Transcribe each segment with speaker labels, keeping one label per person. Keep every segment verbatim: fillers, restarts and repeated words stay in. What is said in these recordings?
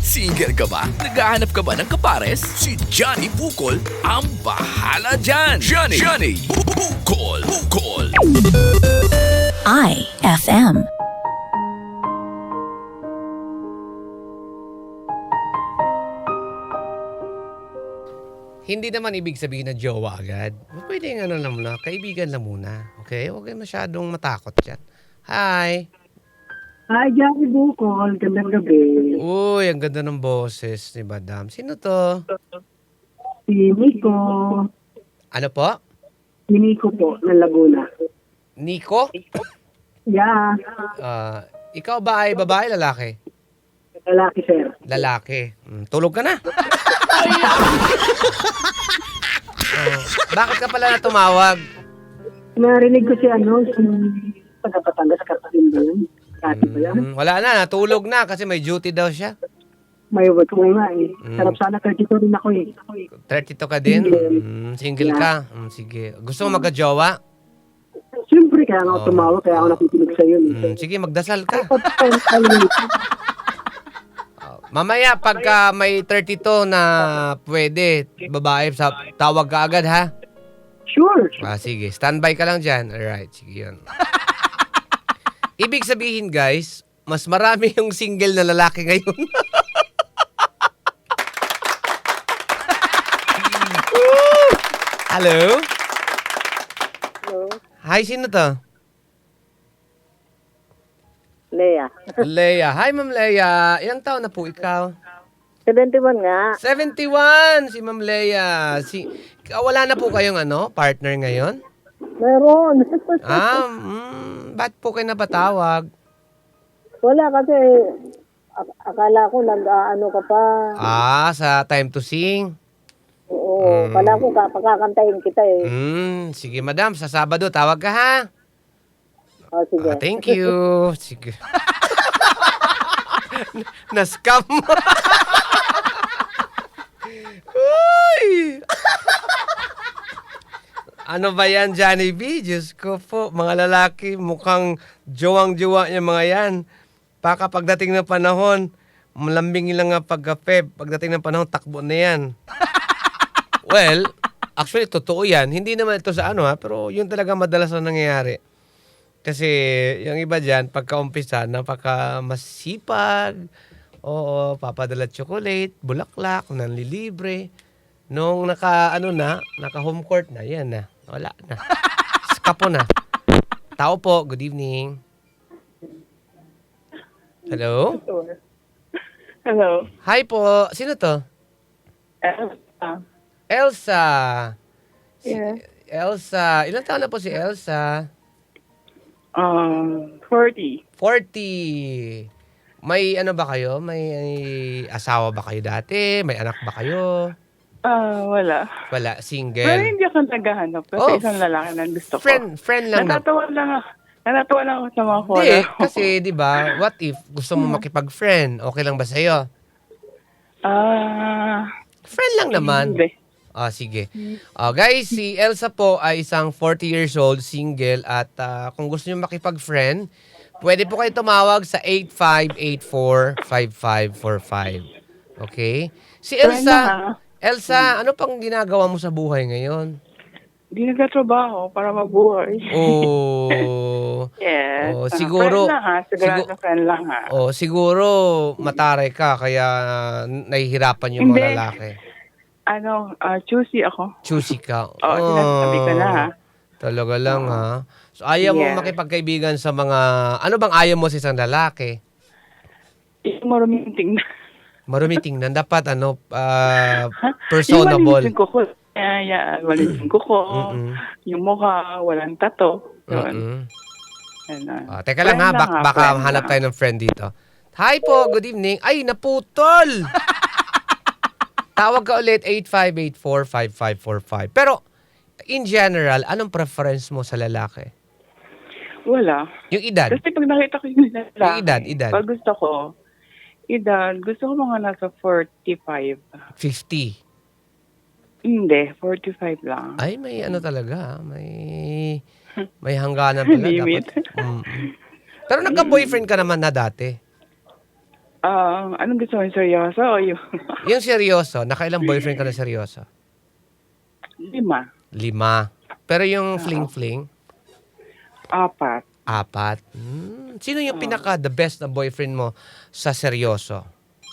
Speaker 1: Single ka ba? Naghahanap ka ba ng kapares? Si Johnny Bukol ang bahala dyan! Johnny! Johnny! Bukol! Bukol!
Speaker 2: I F M.
Speaker 3: Hindi naman ibig sabihin na jowa agad. Pwede nga ano lang muna, kaibigan lang muna. Okay? Huwag kayo masyadong matakot dyan. Hi!
Speaker 4: Hi, Johnny Bukol. Gandang gabi.
Speaker 3: Uy, ang ganda ng boses ni Madam. Sino to?
Speaker 4: Si Nico.
Speaker 3: Ano po?
Speaker 4: Si Nico po, ng Laguna.
Speaker 3: Nico?
Speaker 4: Yeah.
Speaker 3: Ah, ikaw ba ay babae, lalaki?
Speaker 4: Lalaki, sir.
Speaker 3: Lalaki. Hmm, tulog ka na. Oh, bakit ka pala na tumawag?
Speaker 4: Narinig ko si ano, si taga-Batangas, Katarin ba yun? Dati ba yan?
Speaker 3: Hmm, wala na, natulog na kasi may duty daw siya.
Speaker 4: May work ko nga eh.
Speaker 3: Mm.
Speaker 4: Sarap sana thirty-two rin ako eh.
Speaker 3: thirty-two ka din?
Speaker 4: Single.
Speaker 3: Hmm, single ka? Hmm, sige. Gusto mo magka-jowa?
Speaker 4: Siyempre, kaya nga
Speaker 3: Oh.
Speaker 4: ako tumawag, kaya ako nakikinig sa'yo.
Speaker 3: Hmm, sige, magdasal ka.
Speaker 4: Tapos, always.
Speaker 3: Mamaya, pagka may thirty-two na pwede, babae, sa, tawag ka agad, ha?
Speaker 4: Sure.
Speaker 3: Ah, sige. Standby ka lang dyan. Alright, sige yun. Ibig sabihin, guys, mas marami yung single na lalaki ngayon. Hello?
Speaker 5: Hello,
Speaker 3: Hi, sino to?
Speaker 5: Lea.
Speaker 3: Leia. Hi, Ma'am Leia. Ilang taon na po ikaw?
Speaker 5: seventy-one nga.
Speaker 3: seventy-one! Si Ma'am Leia. Si, wala na po kayong ano, partner ngayon?
Speaker 5: Meron.
Speaker 3: Ah, mm, ba't po kayo napatawag?
Speaker 5: Wala kasi, ak- akala ko nag-ano ka pa.
Speaker 3: Ah, sa Time to Sing.
Speaker 5: Oo, akala ko kapakakantayin kita eh.
Speaker 3: Hmm, sige madam, sa Sabado tawag ka ha.
Speaker 5: O, sige.
Speaker 3: Ah, thank you. Sige. Na-scam mo. Uy! Ano ba yan, Johnny B? Diyos ko po, mga lalaki, mukhang jowang-jowa niya mga yan. Baka pagdating ng panahon, malambing lang nga pagkape. Pagdating ng panahon, takbo na yan. Well, actually, totoo yan. Hindi naman ito sa ano ha, pero yun talaga madalas na nangyayari. Kasi yung iba dyan, pagka-umpisa, napaka masipag, oo, papadala chocolate, bulaklak, nanlilibre. Nung naka, ano na, naka home court na, yan na, wala na. Skapo na. Tao po, good evening. Hello?
Speaker 6: Hello.
Speaker 3: Hi po, sino to?
Speaker 6: Elsa.
Speaker 3: Elsa. Si
Speaker 6: Yeah.
Speaker 3: Elsa. Ilang taon na po si Elsa?
Speaker 6: Um, forty.
Speaker 3: forty. May ano ba kayo? May asawa ba kayo dati? May anak ba kayo?
Speaker 6: Ah, wala.
Speaker 3: Wala,
Speaker 6: Pero
Speaker 3: single.
Speaker 6: hindi ako naghahanap kasi
Speaker 3: Oh,
Speaker 6: isang lalaki na gusto ko.
Speaker 3: Friend, friend lang na.
Speaker 6: Natatawa lang ako. Natatawa lang ako sa mga
Speaker 3: Hindi,
Speaker 6: wala.
Speaker 3: kasi 'di ba? What if gusto mo makipag-friend? Okay lang ba sa iyo?
Speaker 6: Ah,
Speaker 3: Friend lang naman.
Speaker 6: hindi.
Speaker 3: Ah, sige. Ah, guys, si Elsa po ay isang forty years old, single, at ah, kung gusto niyo makipag-friend, pwede po kayo tumawag sa eight five eight four, five five four five. Okay? Si
Speaker 6: Friend
Speaker 3: Elsa,
Speaker 6: lang, ah.
Speaker 3: Elsa, ano pang ginagawa mo sa buhay ngayon?
Speaker 6: Hindi nagtatrabaho para mabuhay.
Speaker 3: Oh,
Speaker 6: Yes.
Speaker 3: Oh,
Speaker 6: Ah,
Speaker 3: siguro-
Speaker 6: Friend lang ha. Sigurado
Speaker 3: sigu-
Speaker 6: friend lang ha.
Speaker 3: oh, siguro mataray ka kaya nahihirapan yung mga
Speaker 6: Hindi.
Speaker 3: lalaki.
Speaker 6: Ano, ah, choosy ako.
Speaker 3: Choosy ka.
Speaker 6: Oo, sinasabi ko na ha.
Speaker 3: Talaga lang ha. So ayaw mo
Speaker 6: Yeah.
Speaker 3: makipagkaibigan sa mga, ano bang ayaw mo sa isang lalaki?
Speaker 6: Yung maruming tingnan.
Speaker 3: Marumi tingnan. Dapat ano, ah,
Speaker 6: Yung
Speaker 3: personable.
Speaker 6: malinis yung kuko. Yeah, yeah. Malinis yung kuko.
Speaker 3: Mm-mm.
Speaker 6: Yung mukha, walang tato. Yun.
Speaker 3: Mm-mm.
Speaker 6: Ganun.
Speaker 3: Ah, teka lang ha,
Speaker 6: Friend
Speaker 3: bak-
Speaker 6: lang ha,
Speaker 3: baka
Speaker 6: friend
Speaker 3: hanap
Speaker 6: lang.
Speaker 3: tayo ng friend dito. Hi po, good evening. Ay, naputol! Tawag ka ulit, eight five eight four, five five four five. Pero, in general, anong preference mo sa lalaki?
Speaker 6: Wala.
Speaker 3: Yung edad?
Speaker 6: Kasi pag nakita ko yung lalaki,
Speaker 3: Yung edad, edad.
Speaker 6: pag gusto ko, edad, gusto ko mga nasa forty-five.
Speaker 3: fifty.
Speaker 6: Hindi, forty-five lang.
Speaker 3: Ay, may ano talaga, ah, may may hangganan pala
Speaker 6: Limit.
Speaker 3: dapat. Mm. Pero nagka-boyfriend ka naman na dati.
Speaker 6: Ah, anong gusto mo? Seryoso o yung
Speaker 3: Yung seryoso, nakailang boyfriend ka na seryoso?
Speaker 6: lima?
Speaker 3: Lima. Pero yung fling-fling,
Speaker 6: Apat.
Speaker 3: apat. Hmm. Sino yung pinaka the best na boyfriend mo sa seryoso?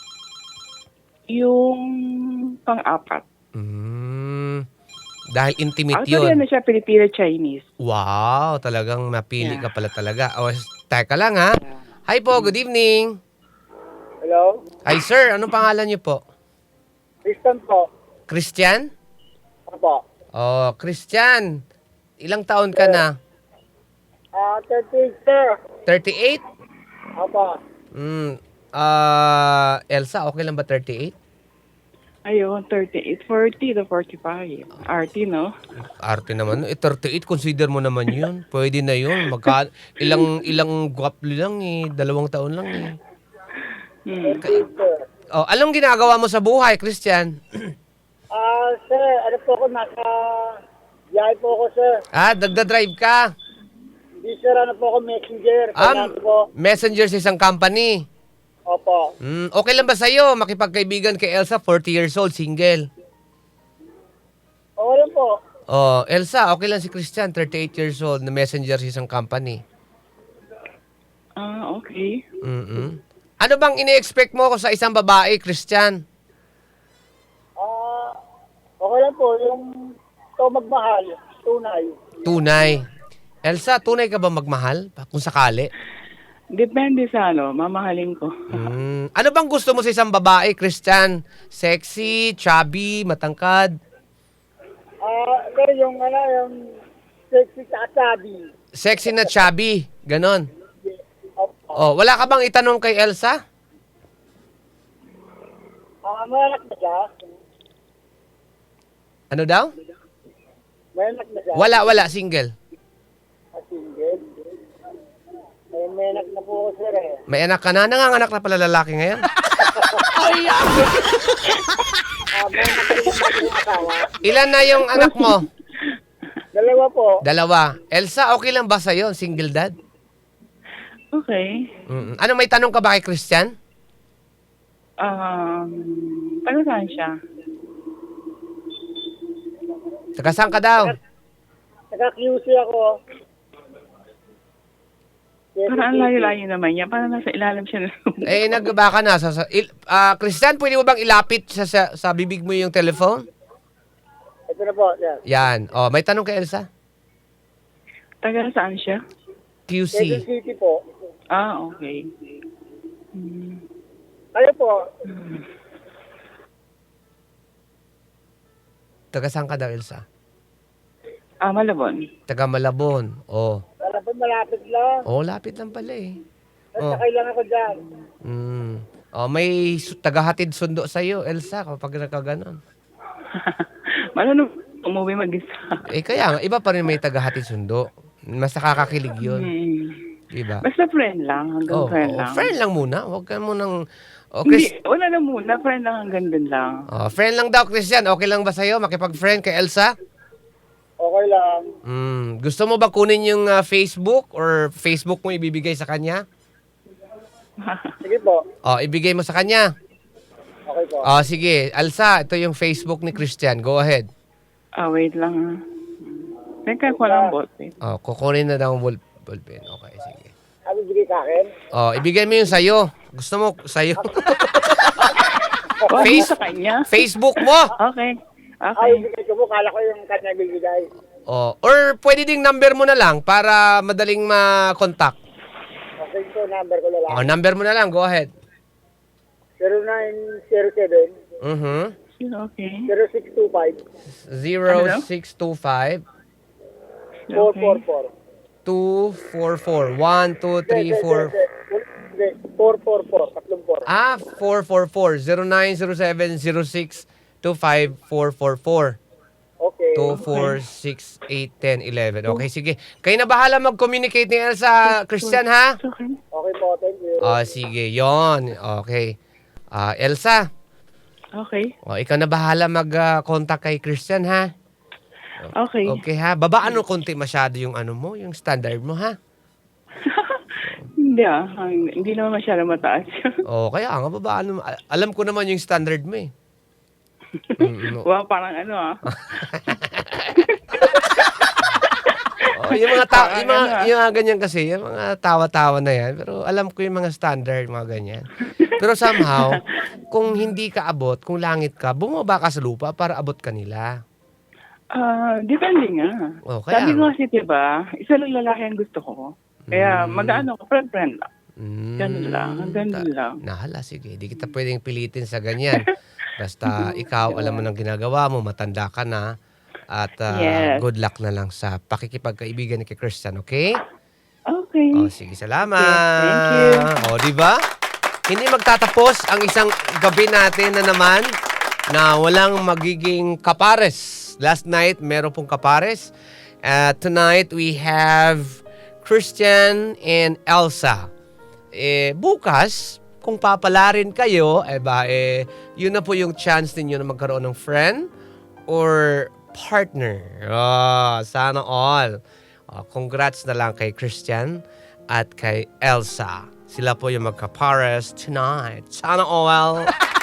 Speaker 6: Yung pang-apat.
Speaker 3: Hmm. Dahil intimate
Speaker 6: Actually,
Speaker 3: yun.
Speaker 6: ano siya, Pilipino-Chinese.
Speaker 3: Wow, talagang napili
Speaker 6: Yeah.
Speaker 3: ka pala talaga. O, teka lang ha. Hi po, good evening.
Speaker 7: Hello?
Speaker 3: Hi sir, anong pangalan niyo po?
Speaker 7: Kristen po.
Speaker 3: Christian?
Speaker 7: Opo.
Speaker 3: Oh, Christian. Ilang taon ka na?
Speaker 7: Ah, thirty, sir.
Speaker 3: thirty-eight?
Speaker 7: Opo.
Speaker 3: Hmm. Ah, Elsa, okay lang ba thirty-eight?
Speaker 6: Ayun, thirty-eight, forty to forty-five. Arty, no?
Speaker 3: Arte naman. Eh, thirty-eight, consider mo naman yun. Pwede na yun. Magka, ilang, ilang guwapli lang eh. Dalawang taon lang eh.
Speaker 6: Hmm.
Speaker 7: Yes, sir.
Speaker 3: Oh, anong ginagawa mo sa buhay, Christian?
Speaker 7: Ah, sir, ano po ako, nasa biyahe po ako, sir.
Speaker 3: Ah, nagda-drive ka.
Speaker 7: Hindi, sir, ano po ako, messenger.
Speaker 3: Ah,
Speaker 7: Kailangan po.
Speaker 3: messenger sa isang company.
Speaker 7: Opo.
Speaker 3: Hmm, okay lang ba sa'yo makipagkaibigan kay Elsa, forty years old, single?
Speaker 7: Okay lang po.
Speaker 3: Oh, Elsa, okay lang si Christian, thirty-eight years old, na messenger sa isang company.
Speaker 6: Ah, okay.
Speaker 3: Mm-mm. Ano bang ini-expect mo ko sa isang babae, Christian?
Speaker 7: Ah, okay lang po. Yung ito magmahal, tunay.
Speaker 3: Tunay. Elsa, tunay ka ba magmahal? Kung sakali.
Speaker 6: Depende sa ano, mamahalin ko.
Speaker 3: Hmm. Ano bang gusto mo sa isang babae, Christian? Sexy, chubby, matangkad?
Speaker 7: Ah, sir, yung ano, yung sexy katabi.
Speaker 3: Sexy na chubby, ganon.
Speaker 7: Opo.
Speaker 3: Oh, wala ka bang itanong kay Elsa?
Speaker 7: Ah, may anak na siya?
Speaker 3: Ano daw?
Speaker 7: May anak na siya?
Speaker 3: Wala, wala, single.
Speaker 7: Ah, single? May, may anak na po ako, sir, eh.
Speaker 3: May anak ka na? Nanganganak na pala lalaki ngayon?
Speaker 7: Ah, may anak na rin yung asawa.
Speaker 3: Ilan na yung anak mo?
Speaker 7: Dalawa po.
Speaker 3: Dalawa. Elsa, okay lang ba sa'yo, single dad?
Speaker 6: Okay.
Speaker 3: Mm. Ano, may tanong ka ba kay Christian?
Speaker 6: Um, taga saan siya?
Speaker 3: Taga saan ka daw?
Speaker 7: Naka-Q C ako.
Speaker 6: Parang ang layo-layo naman niya. Parang nasa ilalim siya.
Speaker 3: Eh, nagba ka na. Sa, sa, il, ah, Christian, pwede mo bang ilapit sa, sa, sa bibig mo yung telephone?
Speaker 7: Ito na po, sir.
Speaker 3: Yan. Oh, may tanong kay Elsa?
Speaker 6: Taga saan siya?
Speaker 3: Q
Speaker 7: Quezon
Speaker 3: C.
Speaker 7: City po.
Speaker 6: Ah, okay. Hmm.
Speaker 7: Kayo po,
Speaker 3: Taga saan ka daw, Elsa?
Speaker 6: Ah, Malabon.
Speaker 3: Taga Malabon. Oh.
Speaker 7: wala po malapit lang.
Speaker 3: Oh, lapit lang pala eh. Oh.
Speaker 7: Nasakay lang ako dyan.
Speaker 3: Mm. Oh, may su- tagahatid sundo sa iyo, Elsa, kapag nakaganon.
Speaker 6: Malano umuwi mag-isa.
Speaker 3: Eh kaya nga, iba pa rin may tagahatid sundo. Mas nakakakilig 'yun,
Speaker 6: Hmm.
Speaker 3: diba?
Speaker 6: Basta friend lang. Hanggang
Speaker 3: Oh,
Speaker 6: friend
Speaker 3: oh,
Speaker 6: lang.
Speaker 3: friend lang muna. Huwag ka munang oh, Chris,
Speaker 6: Hindi, wala na muna. Friend lang hanggang dun lang.
Speaker 3: oh, friend lang daw, Christian. Okay lang ba sa iyo makipag-friend kay Elsa?
Speaker 7: Okay lang.
Speaker 3: Mm, gusto mo ba kunin yung ah, Facebook or Facebook mo ibibigay sa kanya?
Speaker 7: Sige po.
Speaker 3: Oh, ibigay mo sa kanya.
Speaker 7: Okay po.
Speaker 3: Oh, sige. Elsa, ito yung Facebook ni Christian. Go ahead.
Speaker 6: Ah, wait lang. ah. Teka, ko lang bot. Wait.
Speaker 3: Oh, kukunin na daw ang ball, ballpen. Okay, sige.
Speaker 7: Sabi bigay sa akin.
Speaker 3: Oh, ibigay mo yung sa'yo. Gusto mo sa'yo?
Speaker 6: Oh,
Speaker 3: Face-
Speaker 6: sa kanya?
Speaker 3: Facebook mo.
Speaker 6: Okay.
Speaker 7: Ay,
Speaker 6: Okay.
Speaker 7: bigay ko po. Kala ko yung kanya bibigay.
Speaker 3: Oh, or pwede ding number mo na lang para madaling ma-contact.
Speaker 7: Okay po, number ko na lang.
Speaker 3: Oh, number mo na lang. Go ahead.
Speaker 7: zero nine zero seven
Speaker 3: Mhm.
Speaker 6: Okay.
Speaker 7: zero six two five
Speaker 3: zero six two five
Speaker 7: four four four.
Speaker 3: two four four one two three four
Speaker 7: four four four. Tatlong four.
Speaker 3: Ah, four four four zero nine zero seven zero six two five four four four
Speaker 7: Okay.
Speaker 3: two four six eight ten eleven. Okay, sige. Kayo na bahala mag-communicate ni Elsa, Christian, ha?
Speaker 6: Okay.
Speaker 7: Okay po, thank you.
Speaker 3: Oh, sige. Yon. Okay. Ah, Elsa,
Speaker 6: Okay.
Speaker 3: oh, ikaw na bahala mag-contact kay Christian, ha?
Speaker 6: Okay.
Speaker 3: Okay, ha? Babaan mo konti masyado yung ano mo, yung standard mo, ha?
Speaker 6: hindi ah. Ang- Hindi naman masyadong mataas.
Speaker 3: O, kaya nga, babaan naman. Al- Alam ko naman yung standard mo eh. Mm, no.
Speaker 6: wow, parang ano ah.
Speaker 3: Oh, yung mga ta-
Speaker 6: Parang
Speaker 3: yung mga,
Speaker 6: ano, ah.
Speaker 3: yung mga ganyan kasi, yung mga tawa-tawa na yan. Pero alam ko yung mga standard, mga ganyan. Pero somehow, kung hindi ka abot, kung langit ka, bumaba ka sa lupa para abot ka nila.
Speaker 6: Ah, depende nga.
Speaker 3: Oh, kaya
Speaker 6: Sabi ko
Speaker 3: nga.
Speaker 6: kasi, diba, isa lang lalaki ang gusto ko. Kaya
Speaker 3: Mm.
Speaker 6: mag-ano ko, friend-friend lang.
Speaker 3: Mm,
Speaker 6: Ganun lang, ganun
Speaker 3: ta-
Speaker 6: lang.
Speaker 3: Nahala, sige. Di kita pwedeng pilitin sa ganyan. Basta ikaw, alam mo ng ginagawa mo, matanda ka na. At ah,
Speaker 6: Yes.
Speaker 3: good luck na lang sa pakikipagkaibigan ni kay Christian, okay?
Speaker 6: Okay.
Speaker 3: Oh, sige, salamat.
Speaker 6: Thank you.
Speaker 3: Oh, di ba? Hindi magtatapos ang isang gabi natin na naman na walang magiging kapares. Last night, meron pong kapares. Uh, tonight, we have Christian and Elsa. Eh, bukas, kung papalarin kayo, eh ba, eh, yun na po yung chance ninyo na magkaroon ng friend or partner. Oh, sana all. Oh, congrats na lang kay Christian at kay Elsa. Sila po yung magkapares tonight. Sana all.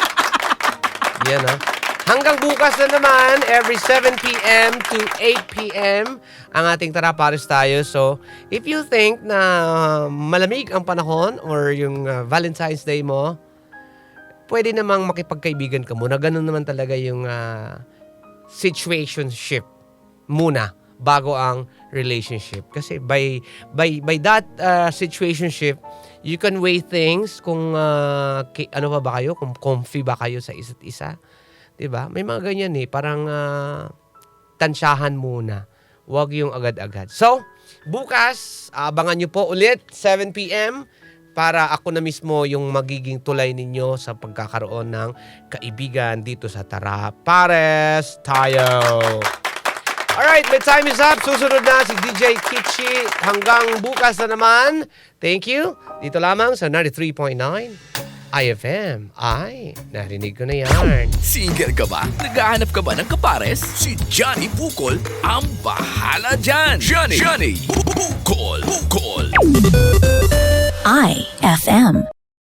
Speaker 3: Yan ah. Hanggang bukas na naman, every seven p.m. to eight p.m. ang ating Tara Pares Tayo. So, if you think na malamig ang panahon or yung uh, Valentine's Day mo, pwede namang makipagkaibigan ka muna. Ganun naman talaga yung uh, situationship muna bago ang relationship. Kasi by by by that uh, situationship, you can weigh things kung uh, ki- ano pa ba kayo, kung comfy ba kayo sa isa't isa. 'Di ba? May mga ganyan eh, parang uh, tansyahan muna. Huwag yung agad-agad. So, bukas, abangan nyo po ulit, seven p.m. para ako na mismo yung magiging tulay ninyo sa pagkakaroon ng kaibigan dito sa Tara Pares Tayo. Alright, my time is up. Susunod na si D J Kichi. Hanggang bukas na naman. Thank you. Dito lamang sa ninety-three point nine I F M. Ay, narinig ko na yan.
Speaker 1: Single ka ba? Naghahanap ka ba ng kapares? Si Johnny Bukol ang bahala dyan. Johnny, Johnny Bukol, Bukol.
Speaker 2: I F M.